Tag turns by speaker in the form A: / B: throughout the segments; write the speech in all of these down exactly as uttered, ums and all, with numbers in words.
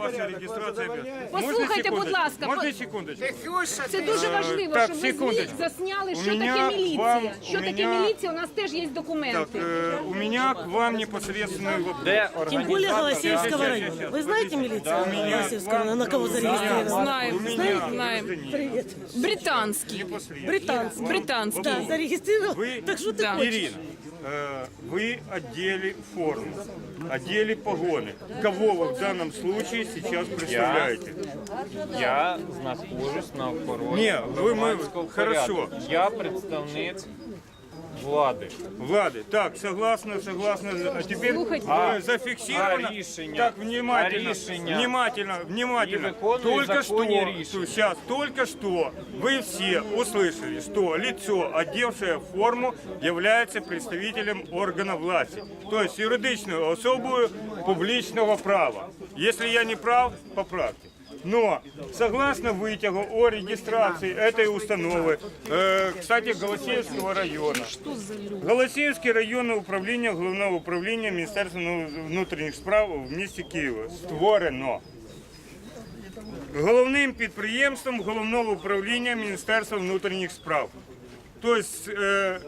A: ваша реєстрація.
B: Послухайте, будь ласка,
A: Можна секундочку?
B: це дуже важливо,
A: Так,
B: щоб ви
A: секундочку.
B: засняли,
A: У
B: що
A: меня
B: таке
A: к
B: міліція.
A: вам-
B: Що
A: у
B: таке
A: меня-
B: міліція, у нас теж є
A: Так,
B: документи.
A: э, у меня к вам непосредственный вопрос.
C: Тем более Голосеевского района. Вы знаете милицию Голосеевского района, на кого зарегистрирована?
B: Знаємо,
A: меня
B: знаємо.
A: гражданин
B: Британський.
C: Британцы.
B: Британський.
C: Да, зарегистрировал.
A: Вы-
C: Так что ты
B: Да.
C: хочешь?
A: Ирина, э, вы одели форму, одели погоны. Кого вы в данном случае сейчас представляете?
D: Я знаходжусь на охороні
A: Ні, ви ми-
D: громадського
A: хорошо.
D: порядку. Я представник влади.
A: Влады, так, согласно, согласно. А теперь
B: Слухайте.
A: э, зафиксировано.
D: А рішення?
A: Так, внимательно,
D: А рішення?
A: внимательно, внимательно.
D: І виконують
A: Только что,
D: законні рішення.
A: сейчас, только что вы все услышали, что лицо, одевшее форму, является представителем органа власти. То есть юридичную особую публичного права. Если я не прав, поправьте. Но, согласно вытягу о регистрации этой установы, э, кстати, Голосеевского района, Голосеевское районное управление Головного управления Министерства внутренних справ в місті Києва створено головним підприємством Головного управління Міністерства внутренних справ. То есть э,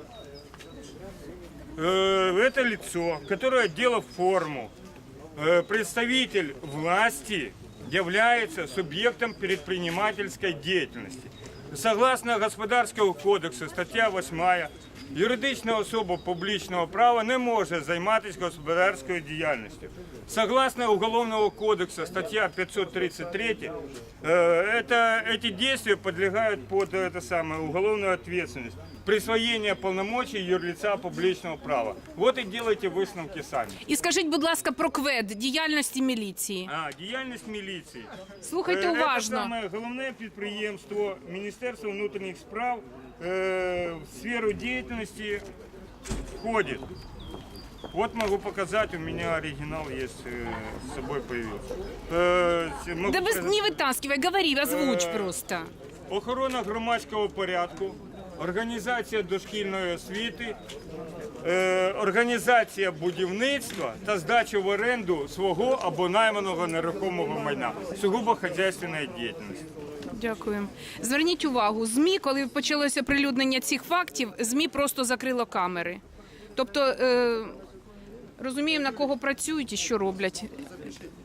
A: э, это лицо, которое одело форму, э, представитель власти, является субъектом предпринимательской деятельности. Согласно Господарського кодексу, стаття восьма, юридична особа публічного права не може займатися господарською діяльністю. Согласно Уголовного кодекса, статья пятьсот тридцать три, э, это, эти действия подлегают под это самое, уголовную ответственность. Присвоєння повномочий юрлица публічного права. Вот і делайте висновки самі.
B: І скажіть, будь ласка, про КВЕД, діяльності міліції.
A: А, діяльність міліції.
B: Слухайте
A: Е,
B: уважно.
A: Це саме головне підприємство Міністерства внутрішніх справ е, в сферу деятельности входит. Вот могу показать, у меня оригинал есть, э, с собой появился. Э, могу
B: Да без,
A: показать.
B: не вытаскивай, говори, озвучь
A: Е,
B: просто.
A: Охорона громадського порядку, організація дошкільної освіти, е, організація будівництва та здача в оренду свого або найманого нерухомого майна. Сугубо хазяйственної діяльності.
B: Дякую. Зверніть увагу, ЗМІ, коли почалося прилюднення цих фактів, ЗМІ просто закрило камери. Тобто, е, розуміємо, на кого працюють і що роблять.